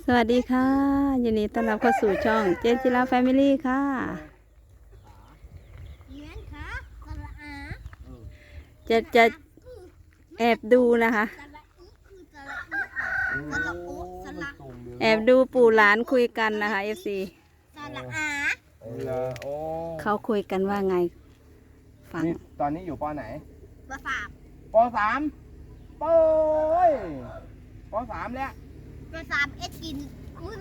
วัสดีค่ะยินดีต้อนรับเข้าสู่ช่องเจนจิราแฟมิลี่ค่ะจะแอบดูนะคะแอบดูปู่หลานคุยกันนะคะFC เขาคุยกันว่าไงฟังตอนนี้อยู่ป.ไหนป.3 ป.3โป้ยป.3แล้วป.3เอ็ดกินมื้อ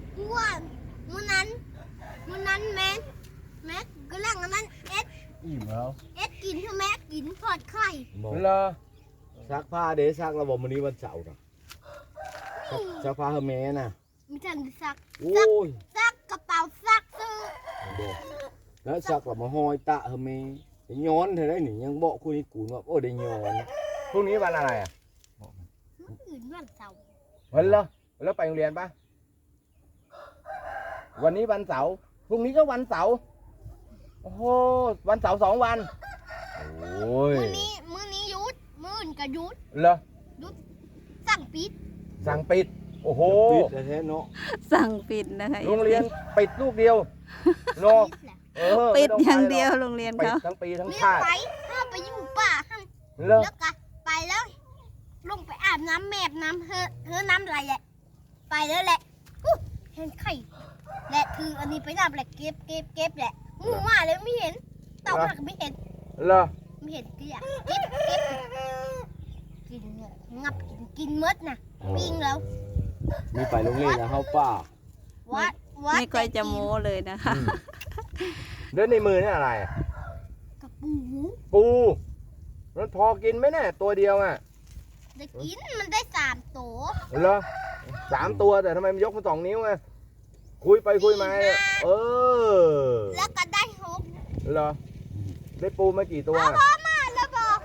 นั้นแม่ก็เรื่องนั้นเอ็ดอิ่มแล้วเอ็ดกินคือแม่กินทอดไข่เหรอซักผ้าเด้ซักระบบวันนี้วันเสาร์นะซักผ้าเฮอร์เมสนะมีจังซักกระเป๋าซักซื้อแล้วซักกลับมาห้อยตะเฮอร์เมสย้อนเธอได้หนิยังบอกคุณนี่กูว่าโอ้ได้ย้อนพรุ่งนี้วันอะไรอ่ะมื้ออื่นวันเสาร์วันเหรอแล้วไปโรงเรียนปะวันนี้วันเสาร์พรุ่งนี้ก็วันเสาร์โอ้โหวันเสาร์2 วันโอ้ยมื้อนี้หยุดมื้ออื่นก็หยุดเหรอหยุดสั่งปิดโอ้โหปิดแท้เนาะสั่งปิดนะคะโรงเรียนปิดลูกเดียวเนาะปิดอย่างเดียวโรงเรียนเขาทั้งปีทั้งชาติห้ามไปอยู่ป่าห้ามแล้วก็ไปแล้วลงไปอาบน้ำแมบน้ำเฮอน้ำไหลแหละไปแล้วแหละเห็นไข่และคืออันนี้ไปน้ำแหละเก็บแหละงูมาเลยไม่เห็นเต่าหักไม่เห็นเหรอไม่เห็นเกลี้ยเก็บกินเนี่ยงับกินมดนะปิ้งแล้วมีไปโรงเรียนนะเฮาป้าไม่ค่อยจะโม้เลยนะคะเดินในมือนี่อะไรกับปูมันพอกินไหมเนี่ยตัวเดียวอ่ะได้กินมันได้3 ตัวเหรอ3 ตัวแต่ทำไมมันยกมา2 นิ้วไงคุยไปคุยมาแล้วก็ได้6 เหรอได้ปูมากี่ตัวพอมาแล้วบอก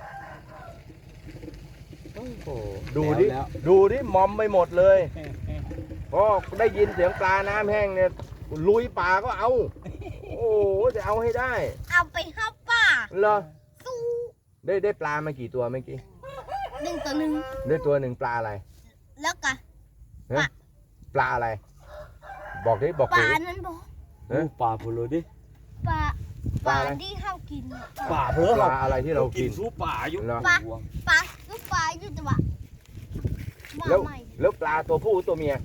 ดูดิมอมไปหมดเลยพอได้ยินเสียงปลาน้ำแห้งเนี่ยลุยป่าก็เอาโอ้จะเอาให้ได้เอาไปเข้าป่าเหรอสู้ได้ปลามากี่ตัวเมื่อกี้ 1 ตัวได้ตัว 1ปลาอะไรแล้วก็ปลาอะไรบอกดิปลานั้นบอกปลาพูดเลยดิปลาที่เข้ากินปลาเพื่อปลาอะไรที่เรากินสู้ปลาอยู่ปลาอยู่แต่ว่าแล้วปลาตัวผู้ตัวเมีย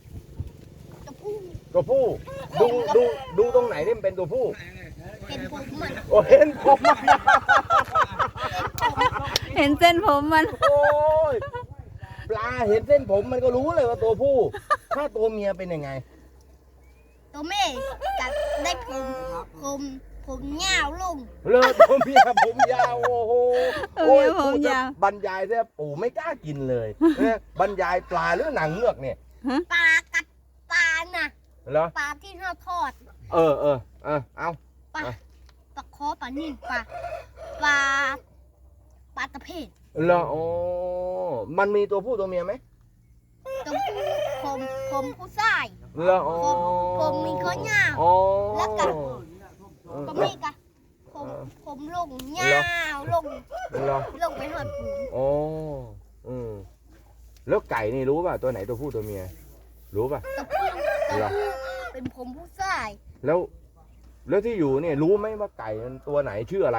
ตัวผู้ดูตรงไหนนี่มันเป็นตัวผู้เห็นผมมันเห็นผมมันเห็นเส้นผมมันโอ้ยปลาเห็นเส้นผมมันก็รู้เลยว่าตัวผู้ถ้าตัวเมียเป็นยังไงตัวเมียกัดได้ผมยาวลงเลยตัวเมียผมยาวโอ้โหผมยาวบรรยายเนี่ยปู่ไม่กล้ากินเลยบรรยายปลาหรือหนังเงือกเนี่ยปลากัดปลาน่ะเหรอปลาที่เราทอดเอาปลาคอปลานิ่มปลาตะเพียนเหรอโอ้มันมีตัวผู้ตัวเมียไหมตัวผู้ผมผู้ชายเหรอผมมีข้อยาวแล้วก็มีกะผมลงยาวลงไปหอดปูอ๋อแล้วไก่นี่รู้ป่ะตัวไหนตัวผู้ตัวเมียรู้ป่ะตัวผู้เป็นผมผู้ชายแล้วที่อยู่เนี่ยรู้ไหมว่าไก่มันตัวไหนชื่ออะไร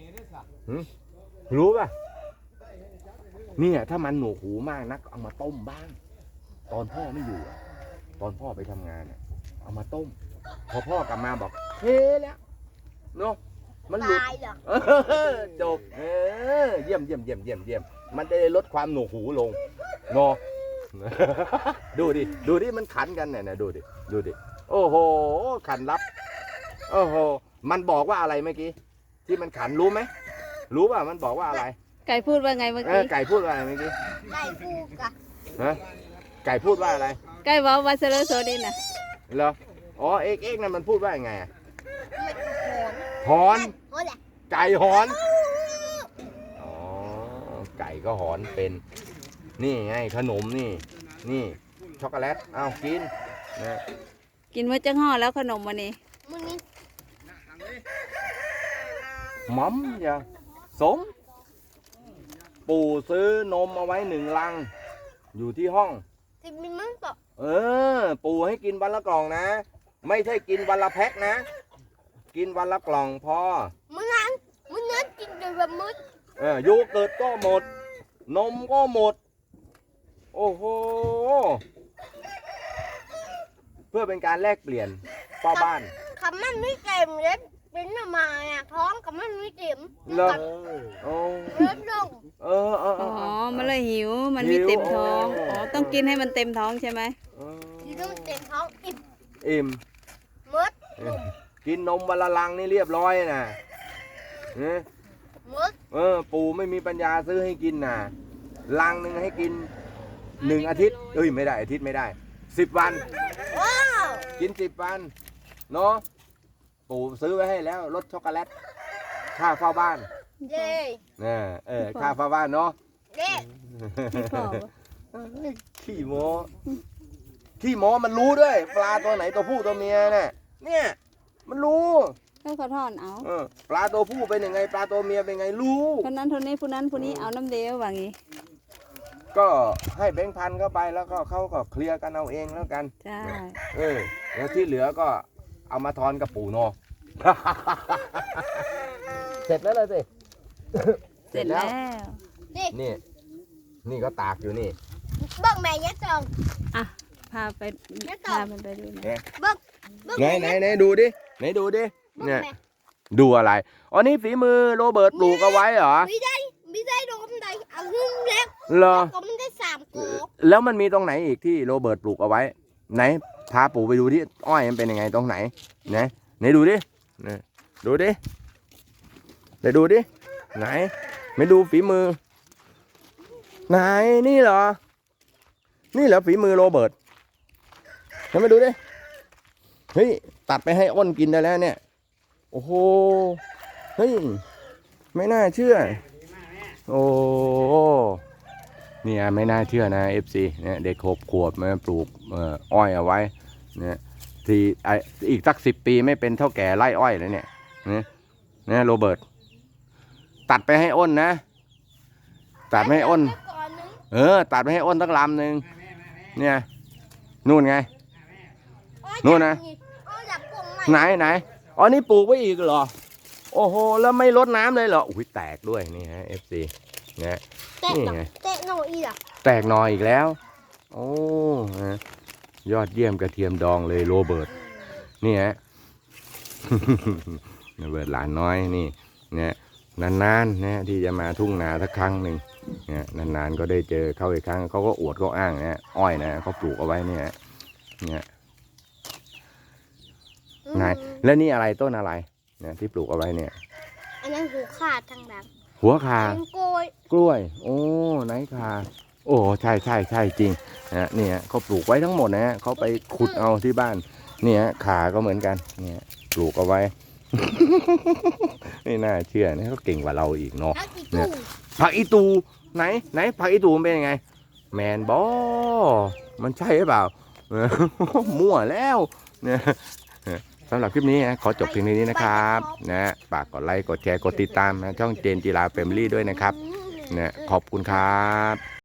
รู้ป่ะเนี่ยถ้ามันหนวกหูมากนักเอามาต้มบ้างตอนพ่อไม่อยู่ตอนพ่อไปทำงานเอามาต้มพอพ่อกลับมาบอกเฮ้แล้วเนาะมันหลุดจบเยี่ยมมันจะลดความหนวกหูลงเนาะดูดิมันขันกันเนี่ยดูดิโอ้โหขันรับโอ้โหมันบอกว่าอะไรเมื่อกี้ที่มันขันรู้ไหมรู้ป่ะมันบอกว่าอะไรไก่พูดว่าไงเมื่อกี้ไก่พูดว่าอะไรเมื่อกี้ไก่พูดกะไก่พูดว่าอะไรไก่บอกว่าเซเลโซดินน่ะเหรอเอ็กนั่นมันพูดว่ายังไงหอนไก่หอนไก่ก็หอนเป็นนี่ไงขนมนี่ช็อกโกแลตเอากินนะกินมาจังห่อแล้วขนมวันนี้มัมอย่าสมปู่ซื้อนมเอาไว้1 ลังอยู่ที่ห้องที่มีมั้งต่อปู่ให้กินวันละกล่องนะ ไม่ใช่กินวันละแพ็คนะ กินวันละกล่องพอมื้อนั้นกินแต่แบบมื้อโยเกิร์ตก็หมด นมก็หมด โอ้โห เพื่อเป็นการแลกเปลี่ยนเฝ้าบ้านคำมันไม่เต็มเลยเป็นออกมาอ่ะท้องคำมันไม่เต็มเหรอกับโอ้เลือดลงเอออ๋อ มันเลยหิว มันมีเต็มท้อง อ๋อ ต้องกินให้มันเต็มท้องใช่ไหมกินแล้วมันเต็มท้องอิ่มอิ่มเมืดกินนมวันละลังนี่เรียบร้อยนะเนี่ยมืดปู่ไม่มีปัญญาซื้อให้กินนะลังหนึ่งให้กิน1 อาทิตย์ไม่ได้อาทิตย์ไม่ได้10 วันว้าวกิน10 วันเนาะปู่ซื้อไว้ให้แล้วรสช็อกโกแลตค่าเฝ้าบ้านเย้ค่าเฝ้าบ้านเนาะเย้พี่พ่อขี้โม้ขี้โม้มันรู้ด้วยปลาตัวไหนตัวผู้ตัวเมียเนี่ยมันรู้ให้เขาทอนเอาปลาตัวผู้เป็นยังไงปลาตัวเมียเป็นไงรู้คนนั้นคนนี้ผู้นั้นผู้นี้เอาน้ำเดียวว่างี้ก็ให้แบงค์พันเข้าไปแล้วก็เขาก็เคลียร์กันเอาเองแล้วกันใช่แล้วที่เหลือก็เอามาทอนกับปู่โน เสร็จแล้วเลยสิเสร็จแล้วนี่ก็ตากอยู่นี่เบิ่งแม่ยักษ์จองอ่ะ พาไป พามันไปดูหน่อยเบิ่งไหนดูดิเนี่ยดูอะไรอ๋อนี่ฝีมือโรเบิร์ตปลูกเอาไว้เหรอไม่ได้โดนใดเอาหึ่งแล้วเหรอก็มันได้3กอกแล้วมันมีตรงไหนอีกที่โรเบิร์ตปลูกเอาไว้ ไหนพาปู่ไปดูที่อ้อยมันเป็นยังไงตรงไหนไหนดูดิดูดิไปดูดิไหนไม่ดูฝีมือ ไหนนี่เหรอฝีมือโรเบิร์ตเห็นไหมดูดิเฮ้ยตัดไปให้อ้นกินได้แล้วเนี่ยโอ้โหเฮ้ยไม่น่าเชื่อโอ้เนี่ยไม่น่าเชื่อนะ FC เนี่ยเด็กขวบมาปลูกอ้อยเอาไว้เนี่ยที่อีกสัก10 ปีไม่เป็นเท่าแก่ไร่อ้อยแล้วเนี่ยเนี่ยโรเบิร์ตตัดไปให้อ้นนะตัดไม่ให้อ้นตัดไปให้อ้นตั้งลำหนึ่งเนี่ยนู่นไงนู่นนะไหนอ๋อนี่ปลูกไว้อีกเหรอโอ้โหแล้วไม่รดน้ำเลยเหรออุ้ยแตกด้วยนี่ฮะ FC เนี่ยนี่ไงเตะหน่อยอ่ะแตกหนออีกแล้วโอ้ยอดเยี่ยมกระเทียมดองเลยโรเบิร์ตนี่ฮะ โรเบิร์ตหลานน้อยนี่เนี่ยนานๆนะที่จะมาทุ่งนาสักครั้งหนึ่งเนี่ยนานๆก็ได้เจอเขาอีกครั้งเขาก็อวดก็อ้างนะอ้อยนะเขาปลูกเอาไว้เนี่ยไงแล้วนี่อะไรต้นอะไรเนี่ยที่ปลูกเอาไว้เนี่ยอันนั้นหูขาดทางหลังหัวคาเป็นกล้วยกล้วยโอ้ไหนคาโอ้ใช่จริงนะเนี่ยเขาปลูกไว้ทั้งหมดนะเขาไปขุดเอาที่บ้านเนี่ยขาก็เหมือนกันเนี่ยปลูกเอาไว้ ไม่น่าเชื่อนะเขาเก่งกว่าเราอีกเนาะแล้วอีกตู้ผักอีตูไหนผักอีตูมันเป็นยังไงแมนบอมันใช่หรือเปล่า มั่วแล้วเนี่ยสำหรับคลิปนี้ขอจบเพียงนี้นะครับนะฝากกดไลค์กดแชร์กดติดตามนะช่องเจนจิราแฟมิลี่ด้วยนะครับนะขอบคุณครับ